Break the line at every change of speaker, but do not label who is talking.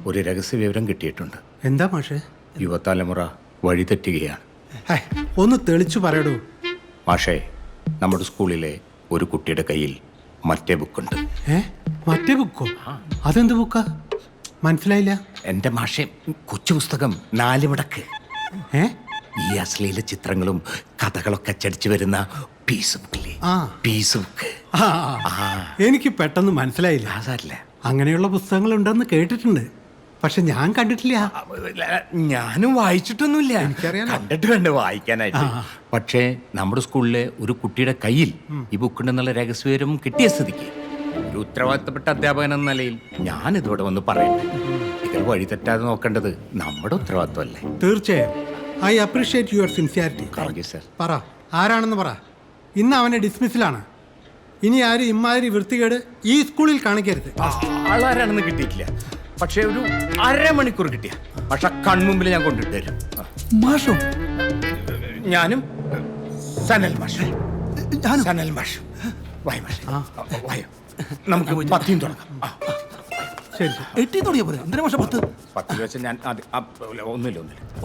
ഒരു രഹസ്യ വിവരം കിട്ടിയിട്ടുണ്ട്.
എന്താ മാഷേ?
യുവതലമുറ വഴിതെറ്റുകയാണ്.
ഒന്ന് തെളിച്ചു പറയടൂ.
മാഷേ, നമ്മുടെ സ്കൂളിലെ ഒരു കുട്ടിയുടെ കയ്യിൽ മറ്റേ ബുക്കുണ്ട്.
മറ്റേ ബുക്കോ? അതെന്ത് ബുക്കാ? മനസ്സിലായില്ല.
എൻ്റെ മാഷേ, കൊച്ചു പുസ്തകം 4 മടക്ക്. ഈ അശ്ലീല ചിത്രങ്ങളും കഥകളൊക്കെ അച്ചടിച്ചു വരുന്ന പീസ് ബുക്കില്ലേ? Piece book.
എനിക്ക് പെട്ടെന്ന് മനസ്സിലായില്ല.
അതല്ല,
അങ്ങനെയുള്ള പുസ്തകങ്ങൾ ഉണ്ടെന്ന് കേട്ടിട്ടുണ്ട്, പക്ഷെ ഞാൻ കണ്ടിട്ടില്ല.
ഞാനും വായിച്ചിട്ടൊന്നുമില്ല.
എനിക്കറിയാം,
കണ്ടിട്ട് വേണ്ട വായിക്കാനായിട്ട്. പക്ഷേ നമ്മുടെ സ്കൂളിലെ ഒരു കുട്ടിയുടെ കയ്യിൽ ഈ ബുക്കുണ്ടെന്നുള്ള രഹസ്യവിവരം കിട്ടിയ സ്ഥിതിക്ക് ഒരു ഉത്തരവാദിത്തപ്പെട്ട അധ്യാപകൻ എന്ന നിലയിൽ ഞാൻ ഇതോടെ വന്ന് പറയട്ടെ. ഇതിൽ വഴി തെറ്റാതെ നോക്കേണ്ടത് നമ്മുടെ ഉത്തരവാദിത്തമല്ലേ?
തീർച്ചയായും. I appreciate your sincerity.
Sir,
പറ, ആരാണെന്ന് പറ. ഇന്ന് അവനെ ഡിസ്മിസിലാണ്. ഇനി ആരും ഇമ്മാതിരി വൃത്തികേട് ഈ സ്കൂളിൽ കാണിക്കരുത്.
ആളാരാണെന്ന് കിട്ടിയിട്ടില്ല, പക്ഷേ ഒരു അരമണിക്കൂർ കിട്ടിയ പക്ഷെ കൺമുമ്പിൽ ഞാൻ കൊണ്ടിട്ട് തരും.
മാഷോ?
ഞാനും സനൽ മാഷ്. സനൽ മാഷ്, വായ മാഷ്, വായോ. നമുക്ക് 10 തുടങ്ങാം.
ശരി,
8 തുടങ്ങിയ പോലെ. എന്തിനാ മാഷ 10?
10 വെച്ച് ഞാൻ ഒന്നുമില്ല.